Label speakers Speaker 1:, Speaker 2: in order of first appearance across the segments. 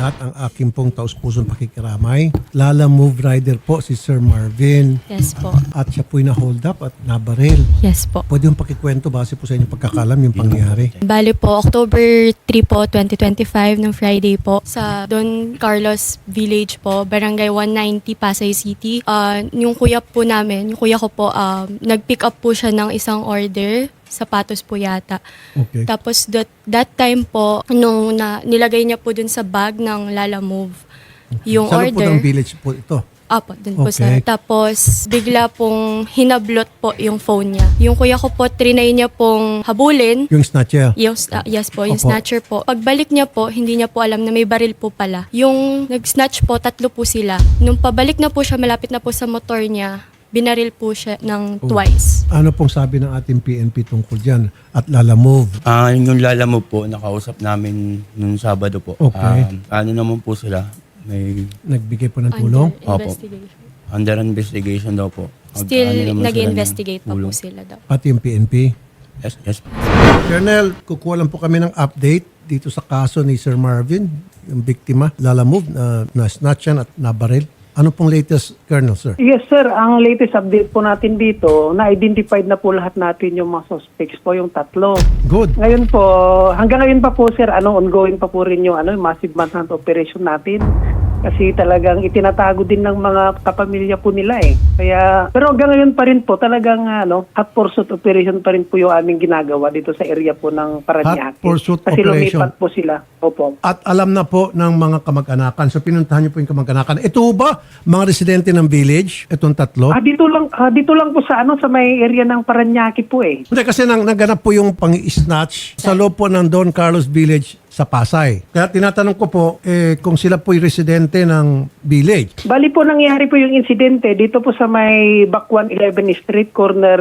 Speaker 1: lahat ang aking pong taus-pusong pakikiramay. Lala Move Rider po si Sir Marvin.
Speaker 2: Yes po.
Speaker 1: At siya po'y na-hold up at nabaril.
Speaker 2: Yes po.
Speaker 1: Pwede yung pakikwento base po sa inyong pagkakalam yung pangyayari.
Speaker 2: Bali po, October 3 po, 2025, ng Friday po, sa Don Carlos Village po, Barangay 190, Pasay City. Yung kuya po namin, yung kuya ko po, nag-pick up po siya ng isang order, sapatos po yata.
Speaker 1: Okay.
Speaker 2: Tapos that time po, nung nilagay niya po dun sa bag ng Lala Move, yung
Speaker 1: Sa loob po
Speaker 2: order.
Speaker 1: ng village po ito.
Speaker 2: Apo, dun po
Speaker 1: Okay.
Speaker 2: sa. Tapos, bigla pong hinablot po yung phone niya. Yung kuya ko po, trinay niya pong habulin.
Speaker 1: Yung snatcher.
Speaker 2: Yes po, yung
Speaker 1: Opo.
Speaker 2: snatcher po. Pagbalik niya po, hindi niya po alam na may baril po pala. Yung nag-snatch po, 3 po sila. Nung pabalik na po siya, malapit na po sa motor niya, binaril po siya ng twice.
Speaker 1: Ano pong sabi ng ating PNP tungkol dyan at Lala Move?
Speaker 3: Yung Lala Move po, nakausap namin nung Sabado po.
Speaker 1: Okay.
Speaker 3: Ano naman po sila, may
Speaker 1: Nagbigay po ng tulong?
Speaker 2: Under investigation.
Speaker 3: under investigation daw po.
Speaker 2: Still,
Speaker 3: Ano naman sila
Speaker 2: nag-investigate
Speaker 3: ng
Speaker 2: pa po
Speaker 3: tulong.
Speaker 2: sila daw.
Speaker 1: Pati yung PNP?
Speaker 3: Yes, yes po.
Speaker 1: Colonel, kukuha lang po kami ng update dito sa kaso ni Sir Marvin, yung biktima, Lala Move, na snatch yan at nabaril. Ano pong latest, Colonel, sir?
Speaker 4: Yes sir, ang latest update po natin dito, na-identified na po lahat natin yung mga suspects po, yung 3.
Speaker 1: Good.
Speaker 4: Ngayon po, hanggang ngayon pa po sir, ongoing pa po rin yung massive manhunt operation natin. Kasi talagang itinatago din ng mga kapamilya po nila eh. Kaya, pero hanggang ngayon pa rin po, talagang hot pursuit operation pa rin po yung aming ginagawa dito sa area po ng Parañaque.
Speaker 1: Hot pursuit
Speaker 4: Kasi
Speaker 1: operation.
Speaker 4: lumipat po sila. Opo.
Speaker 1: At alam na po ng mga kamag-anakan. So pinuntahan niyo po yung kamag-anakan. Ito ba mga residente ng village? Itong 3?
Speaker 4: Dito lang po sa may area ng Parañaque po eh.
Speaker 1: Hindi kasi naganap po yung pang-snatch sa loob po ng Don Carlos Village sa Pasay. Kaya tinatanong ko po kung sila po'y residente ng village.
Speaker 4: Bali po nangyari po yung insidente dito po sa may Bakwan 11 Street corner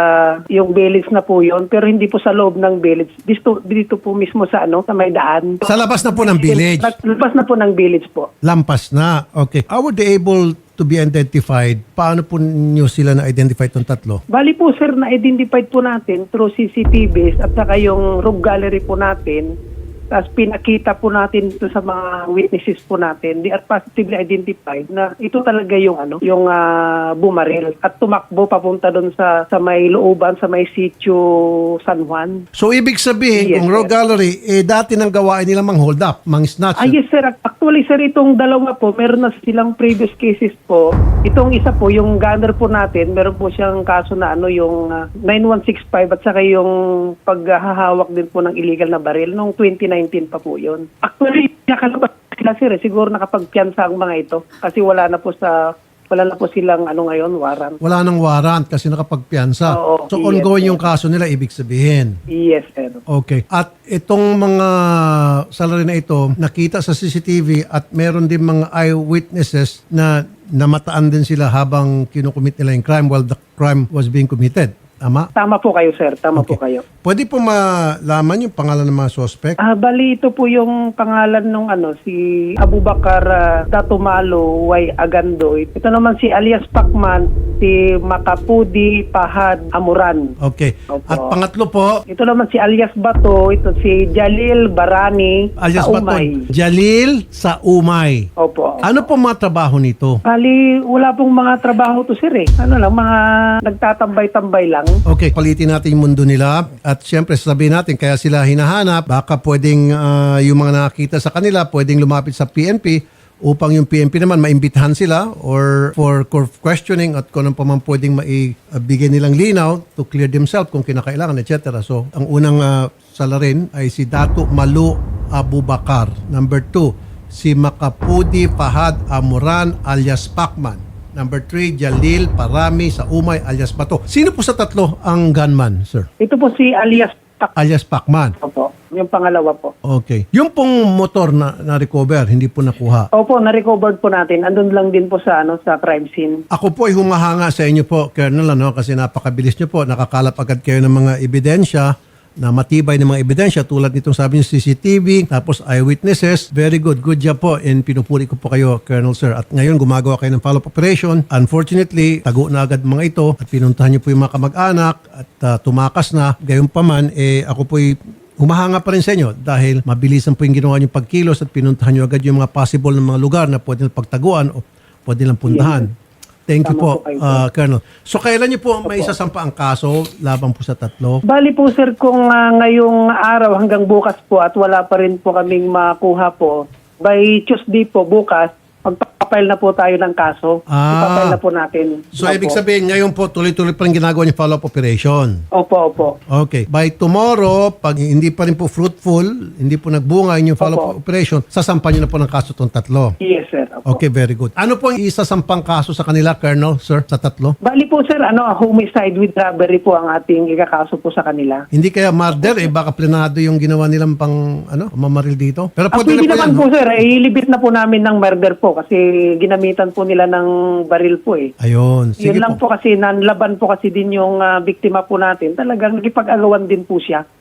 Speaker 4: yung village na po yon, pero hindi po sa loob ng village. Dito po mismo sa sa may daan.
Speaker 1: Sa labas na po ng village.
Speaker 4: Labas na po ng village po.
Speaker 1: Lampas na. Okay. How were they able to be identified? Paano po niyo sila na-identify itong 3?
Speaker 4: Bali po sir, na-identified po natin through CCTVs at saka yung room gallery po natin. Tapos pinakita po natin ito sa mga witnesses po natin. They are positively identified na ito talaga yung yung bumaril at tumakbo papunta doon sa may looban, sa may sitio San Juan.
Speaker 1: So ibig sabihin,
Speaker 4: Yes,
Speaker 1: kung Row
Speaker 4: sir.
Speaker 1: Gallery, dati nang gawain nila mang hold up, mang snatch.
Speaker 4: Yes sir, actually sir, itong dalawa po, meron na silang previous cases po. Itong isa po, yung gunner po natin, meron po siyang kaso na yung 9165 at saka yung paghahawak din po ng illegal na baril noong 2019 pa po yun. Actually, nakalabas sila sir, siguro nakapagpiyansa ang mga ito kasi wala na po silang ngayon, warrant.
Speaker 1: Wala nang warrant kasi nakapagpiyansa.
Speaker 4: Oo,
Speaker 1: So
Speaker 4: yes,
Speaker 1: ongoing
Speaker 4: sir.
Speaker 1: yung kaso nila, ibig sabihin.
Speaker 4: Yes sir.
Speaker 1: Okay. At itong mga salary na ito, nakita sa CCTV at meron din mga eyewitnesses na namataan din sila habang kinukumit nila yung crime while the crime was being committed. Tama?
Speaker 4: Tama po kayo sir, tama po
Speaker 1: Okay.
Speaker 4: kayo.
Speaker 1: Pwede po malaman yung pangalan ng mga suspect?
Speaker 4: Bali ito po yung pangalan nung si Abubakar Datumalo Y. Agandoy. Ito naman si alias Pacman, si Makapudi Pahad Amuran.
Speaker 1: Okay.
Speaker 4: Opo.
Speaker 1: At pangatlo po,
Speaker 4: Ito naman si alias Bato, ito si Jalil Barani
Speaker 1: alias
Speaker 4: sa
Speaker 1: Baton,
Speaker 4: Umay.
Speaker 1: Jalil sa Umay.
Speaker 4: Opo.
Speaker 1: Ano po mga trabaho nito?
Speaker 4: Bali, wala pong mga trabaho to sir eh. Mga nagtatambay-tambay lang.
Speaker 1: Okay, palitin natin yung mundo nila at syempre sasabihin natin kaya sila hinahanap, baka pwedeng yung mga nakakita sa kanila pwedeng lumapit sa PNP upang yung PNP naman maimbitahan sila or for questioning at kung ano pa man pwedeng maibigay nilang linaw to clear themselves kung kinakailangan, etc. So, ang unang salarin ay si Dato Malu Abubakar. Number 2, si Makapudi Fahad Amuran alias Pacman. Number 3, Jalil Parami sa Umay alias Bato. Sino po sa 3 ang gunman, sir?
Speaker 4: Ito po si alias
Speaker 1: Alias Pacman.
Speaker 4: Opo. Yung pangalawa po.
Speaker 1: Okay. Yung pong motor na recover, hindi po nakuha.
Speaker 4: Opo, na-recovered po natin. Andun lang din po sa sa crime scene.
Speaker 1: Ako po ay humahanga sa inyo po, Colonel, kasi napakabilis nyo po. Nakakalap agad kayo ng mga ebidensya na matibay ng mga ebidensya tulad nitong sabi niyo CCTV, tapos eyewitnesses. Very good. Good job po and pinupuri ko po kayo, Colonel Sir. At ngayon gumagawa kayo ng follow-up operation. Unfortunately, tago na agad mga ito at pinuntahan niyo po yung mga kamag-anak at tumakas na. Gayunpaman, ako po'y humahanga pa rin sa inyo dahil mabilisan po yung ginawa niyong pagkilos at pinuntahan niyo agad yung mga possible na mga lugar na pwede nilang pagtaguan o pwede nilang puntahan. Thank you
Speaker 4: Tama
Speaker 1: po,
Speaker 4: po kayo, sir.
Speaker 1: Colonel. So kailan niyo po may isasampa ang kaso laban po sa tatlo?
Speaker 4: Bali po sir, kung ngayong araw hanggang bukas po at wala pa rin po kaming makuha po, by Tuesday po bukas, magpapile na po tayo ng kaso. Ipapile na po natin.
Speaker 1: So ibig sabihin, ngayon po tuloy-tuloy pa rin ginagawa niyo follow-up operation.
Speaker 4: Opo.
Speaker 1: Okay. By tomorrow, pag hindi pa rin po fruitful, hindi po nagbunga yung follow-up operation, sasampan niyo na po ng kaso itong tatlo.
Speaker 4: Yes sir. Opo.
Speaker 1: Okay, very good. Ano po ang isasampang kaso sa kanila, Colonel, sir, sa tatlo?
Speaker 4: Bali po sir, homicide with robbery po ang ating ikakaso po sa kanila.
Speaker 1: Hindi kaya murder, baka plenado yung ginawa nilang mamaril dito. Pero pwede
Speaker 4: Pwede
Speaker 1: na po
Speaker 4: naman
Speaker 1: yan,
Speaker 4: po
Speaker 1: no?
Speaker 4: sir, ilibit na po namin ng murder po kasi ginamitan po nila ng baril po eh.
Speaker 1: Ayun, sige
Speaker 4: Yun lang
Speaker 1: po.
Speaker 4: po kasi, nanlaban po kasi din yung biktima po natin. Talagang nakipag-agawan din po siya.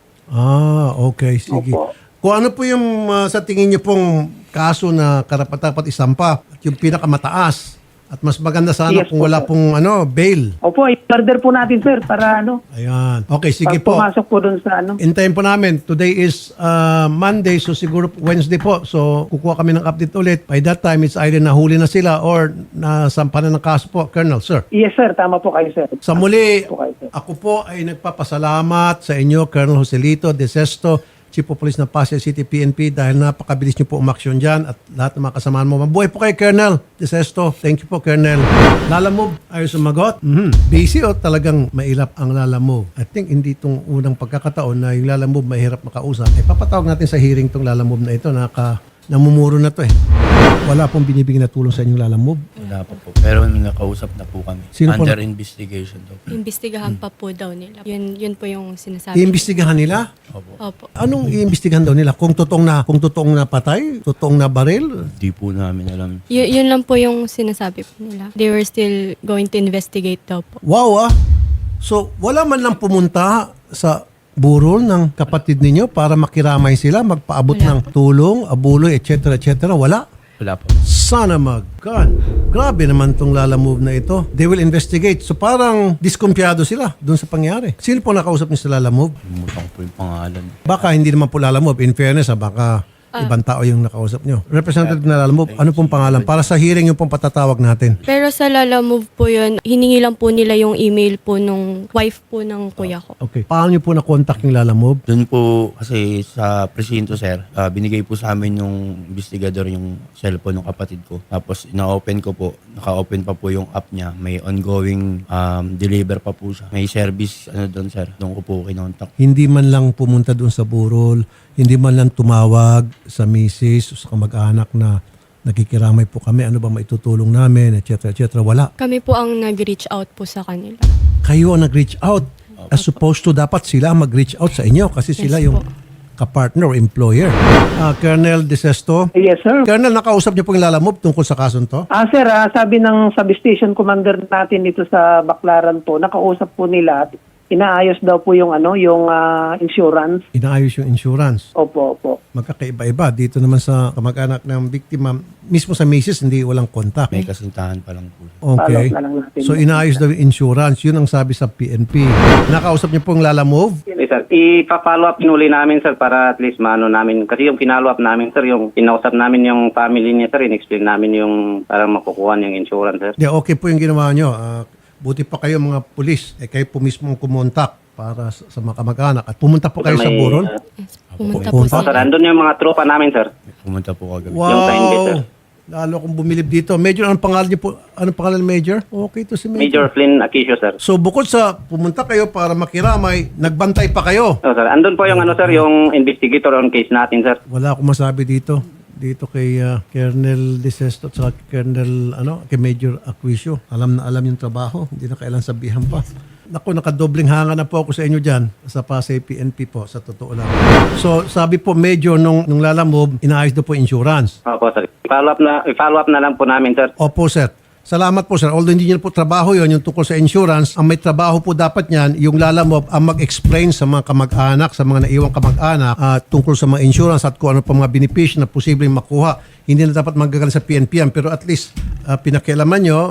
Speaker 1: Okay, sige.
Speaker 4: Opo.
Speaker 1: Kung ano po yung sa tingin niyo pong kaso na karapat-dapat isampa, at yung pinakamataas, at mas maganda sana
Speaker 4: Yes
Speaker 1: kung
Speaker 4: po,
Speaker 1: wala
Speaker 4: sir.
Speaker 1: pong bail.
Speaker 4: Opo, i-murder po natin sir para
Speaker 1: Ayan. Okay, sige
Speaker 4: pag
Speaker 1: po.
Speaker 4: pumasok po dun sa
Speaker 1: Intayin po namin. Today is Monday, so siguro Wednesday po. So kukuha kami ng update ulit. By that time, it's either nahuli na sila or nasampa na ng kaso po, Colonel, sir.
Speaker 4: Yes sir, tama po kayo sir.
Speaker 1: Sa muli,
Speaker 4: Tama po kayo, sir.
Speaker 1: ako po ay nagpapasalamat sa inyo, Colonel Joselito De Sesto, Chief of Police ng Pasay City PNP, dahil napakabilis niyo po umaksyon dyan at lahat ng mga kasamahan mo. Mabuhay po kayo, Colonel De Sesto. Thank you po, Colonel. Lala Move, ayaw sumagot? Busy o talagang mailap ang Lala Move? I think hindi itong unang pagkakataon na yung Lala Move mahirap makausap. Papatawag natin sa hearing itong Lala Move na ito. Namumuro na to eh. Wala pong binibigyan na tulong sa inyong Lala Move.
Speaker 3: Wala pa po. Pero nakausap na po kami.
Speaker 1: Sino po
Speaker 3: Under investigation daw po.
Speaker 2: Imbestigahan pa po daw nila. Yun po yung sinasabi.
Speaker 1: Iimbestigahan nila?
Speaker 2: Opo.
Speaker 1: Anong iimbestigahan daw nila? Kung totoong na patay? Totoong na baril?
Speaker 3: Di po namin alam.
Speaker 2: Yun lang po yung sinasabi po nila. They were still going to investigate daw po.
Speaker 1: Wow. So, wala man lang pumunta sa burol ng kapatid ninyo para makiramay sila, magpaabot
Speaker 2: Wala
Speaker 1: ng tulong, abuloy, etc. Wala.
Speaker 3: Wala po.
Speaker 1: Sana mag-gun. Grabe naman tong Lala Move na ito. They will investigate. So parang diskumpiyado sila dun sa pangyari. Sino po nakausap niyo sa Lala Move?
Speaker 3: Limutan ko po yung pangalan.
Speaker 1: Baka hindi naman po Lala Move. In fairness, baka ibang tao yung nakausap niyo. Representative na Lala Move, ano pong pangalan? Para sa hearing yung pong patatawag natin.
Speaker 2: Pero sa Lala Move po yun, hiningi lang po nila yung email po nung wife po ng kuya ko.
Speaker 1: Okay. Paano niyo po na-contact yung Lala Move?
Speaker 3: Doon po kasi sa presinto, sir, binigay po sa amin yung investigador yung cellphone ng kapatid ko. Tapos ina-open ko po, naka-open pa po yung app niya. May ongoing deliver pa po siya. May service doon, sir. Doon ko po kinontak.
Speaker 1: Hindi man lang pumunta doon sa burol, hindi man lang tumawag sa misis o sa kamag-anak na nakikiramay po kami, ano ba maitutulong namin, etc. Wala.
Speaker 2: Kami po ang nag-reach out po sa kanila.
Speaker 1: Kayo ang nag-reach out. As supposed to, dapat sila mag-reach out sa inyo kasi sila
Speaker 2: Yes
Speaker 1: yung
Speaker 2: po.
Speaker 1: kapartner o employer. Colonel De Sesto.
Speaker 4: Yes sir.
Speaker 1: Colonel, nakausap niyo po yung Lala Move tungkol sa kasong to?
Speaker 4: Sir, sabi ng substation commander natin dito sa Baclaran po, nakausap po nila at inaayos daw po yung yung insurance.
Speaker 1: Inaayos yung insurance.
Speaker 4: Opo.
Speaker 1: Magkakaiba-iba. Dito naman sa kamag-anak ng biktima, mismo sa misis, hindi walang kontak.
Speaker 3: May kasintahan pa lang po.
Speaker 1: Okay.
Speaker 4: Follow na lang natin.
Speaker 1: So inaayos daw yung insurance. Yun ang sabi sa PNP. Nakausap niyo pong Lala Move?
Speaker 5: Yes, sir. Ipa-follow up nuli namin, sir, para at least maano namin. Kasi yung pinollow up namin, sir, yung pinausap namin yung family niya, sir, in-explain namin yung parang makukuha yung insurance, sir.
Speaker 1: Yeah, okay po yung ginawa nyo. Buti pa kayo mga pulis. Kayo po mismo kumontak para sa mga kamag-anak. At pumunta po kayo sa burol?
Speaker 2: Yes, pumunta po
Speaker 1: Pumunta?
Speaker 5: Sir,
Speaker 2: sila.
Speaker 5: andun yung mga tropa namin, sir.
Speaker 3: Pumunta po kagabi.
Speaker 5: Yung sign bit, sir.
Speaker 1: Wow! Lalo akong bumilib dito. Major, anong pangalan niyo po? Anong pangalan, Major? Okay to si
Speaker 5: Major
Speaker 1: Major.
Speaker 5: Flynn Aquisio, sir.
Speaker 1: So bukod sa pumunta kayo para makiramay, nagbantay pa kayo.
Speaker 5: Oh, sir. Andun po yung sir, yung investigator on case natin, sir.
Speaker 1: Wala akong masabi dito. Dito kay Colonel De Sesto at saka Colonel, kay Major Aquisio. Alam na alam yung trabaho. Hindi na kailan sabihan pa. Naku, nakadobling hanga na po ako sa inyo dyan sa Pasay PNP po, sa totoo lang. So, sabi po, Major, nung Lala Move, inaayos daw po insurance.
Speaker 5: Opo, sir. I-follow up na lang po namin, sir.
Speaker 1: Opo, sir. Salamat po, sir. Although hindi niyo po trabaho yon yung tungkol sa insurance, ang may trabaho po dapat niyan, yung Lala Move ang mag-explain sa mga kamag-anak, sa mga naiwang kamag-anak tungkol sa mga insurance at kung ano pa mga benepisyo na posibleng makuha. Hindi na dapat magagaling sa PNP yan, pero at least pinakialaman nyo,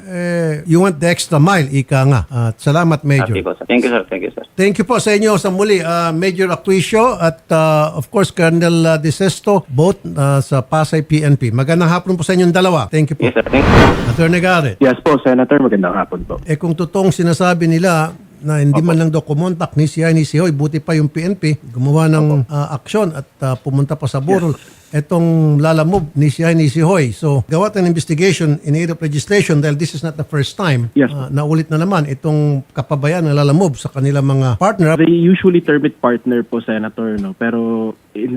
Speaker 1: you went the extra mile, ika nga. At salamat, Major.
Speaker 5: Happy po, sir. Thank you, sir. Thank you, sir.
Speaker 1: Thank you po sa inyo sa muli, Major Aquisio at of course Colonel De Sesto, both sa Pasay PNP. Magandang hapon po sa inyong dalawa. Thank you po.
Speaker 5: Yes, sir. Thank you.
Speaker 1: Attorney Garrett,
Speaker 6: Yes po, Senator. Magandang hapon po.
Speaker 1: kung totoong sinasabi nila na hindi man lang daw kumontak ni si Hoy, buti pa yung PNP gumawa ng aksyon at pumunta pa sa burol. Etong lalamove ni si Hoy. So, gawa tayo ng investigation in aid of legislation dahil this is not the first time.
Speaker 6: Yes.
Speaker 1: Naulit na naman itong kapabayan na lalamove sa kanilang mga partner.
Speaker 6: They usually term it partner po, Senator, no? Pero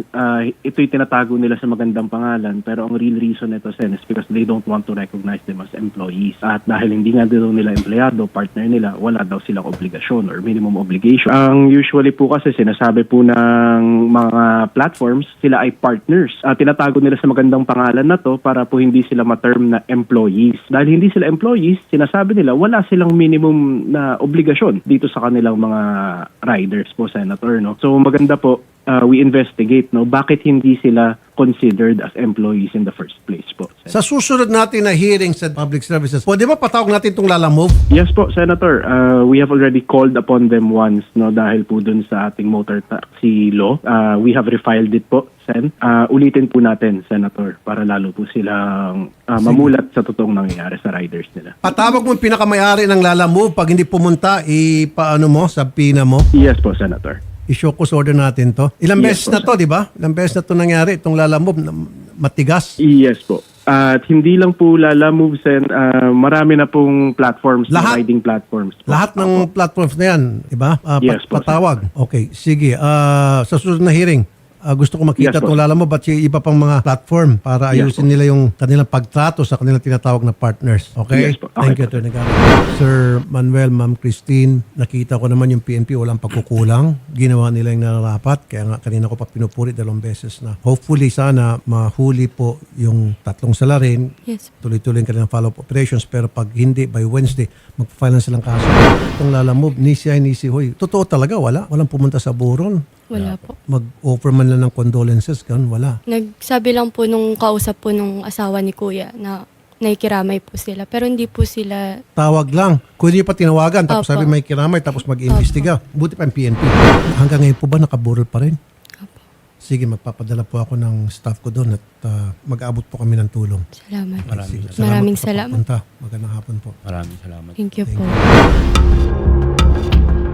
Speaker 6: ito'y tinatago nila sa magandang pangalan. Pero ang real reason nito, Sen, is because they don't want to recognize them as employees. At dahil hindi nga daw nila empleyado, partner nila, wala daw silang obligasyon or minimum obligation. Ang usually po kasi sinasabi po ng mga platforms, sila ay partners. Tinatago nila sa magandang pangalan na to para po hindi sila ma-term na employees. Dahil hindi sila employees, sinasabi nila wala silang minimum na obligasyon dito sa kanilang mga riders po, Senator. No? So maganda po, we investigate, no, bakit hindi sila considered as employees in the first place po.
Speaker 1: Sa susunod natin na hearing sa public services, pwede ba patawag natin itong lalamove?
Speaker 6: Yes po, Senator. We have already called upon them once, no, dahil po dun sa ating motor taxi law. We have refiled it po, Sen. Ulitin po natin, Senator, para lalo po silang mamulat sa totoong nangyayari sa riders nila.
Speaker 1: Patawag mo yung pinakamayari ng lalamove pag hindi pumunta, ipaano mo, sa PINA mo?
Speaker 6: Yes po, Senator.
Speaker 1: I-show cause order natin to. Ilang
Speaker 6: Yes
Speaker 1: beses
Speaker 6: po,
Speaker 1: na to, di ba? Ilang beses na to nangyari, itong lalamove, matigas.
Speaker 6: Yes po. At hindi lang po Lala Moves, and marami na pong platforms,
Speaker 1: Lahat?
Speaker 6: riding platforms po.
Speaker 1: Lahat ng platforms na yan, di ba?
Speaker 6: Yes po,
Speaker 1: Patawag. Okay, sige. Sa susunod na hearing, gusto ko makita
Speaker 6: Yes,
Speaker 1: itong
Speaker 6: boss.
Speaker 1: lalamove at yung iba pang mga platform para
Speaker 6: Yes,
Speaker 1: ayusin nila yung kanilang pagtrato sa kanilang tinatawag na partners. Okay?
Speaker 6: Yes, po. Okay,
Speaker 1: Thank you,
Speaker 6: po.
Speaker 1: Atty. Garrett. Sir Manuel, Ma'am Christine, nakita ko naman yung PNP walang pagkukulang. Ginawa nila yung nararapat. Kaya nga kanina ko pa pinupuri 2 beses na hopefully sana mahuli po yung 3 salarin.
Speaker 2: Yes.
Speaker 1: Tuloy-tuloy yung kanilang follow-up operations. Pero pag hindi, by Wednesday, mag-file na silang kaso. Itong lalamove, ni si Hoy. Totoo talaga, wala. Walang pumunta sa buron.
Speaker 2: Wala po.
Speaker 1: Mag-offer man lang ng condolences, ganun, wala.
Speaker 2: Nagsabi lang po nung kausap po nung asawa ni Kuya na nakikiramay po sila. Pero hindi po sila,
Speaker 1: Tawag lang. Kung hindi pa tinawagan, tapos
Speaker 2: Opo.
Speaker 1: sabi may kiramay, tapos mag-imbestiga. Buti pa yung PNP. Hanggang ngayon po ba nakaburol pa rin? Sige, magpapadala po ako ng staff ko doon at mag-aabot po kami ng tulong.
Speaker 2: salamat.
Speaker 1: Sige,
Speaker 2: Maraming
Speaker 1: po sa
Speaker 2: salamat.
Speaker 1: pagpunta. Magandang hapon po.
Speaker 3: Maraming salamat.
Speaker 2: Thank you po.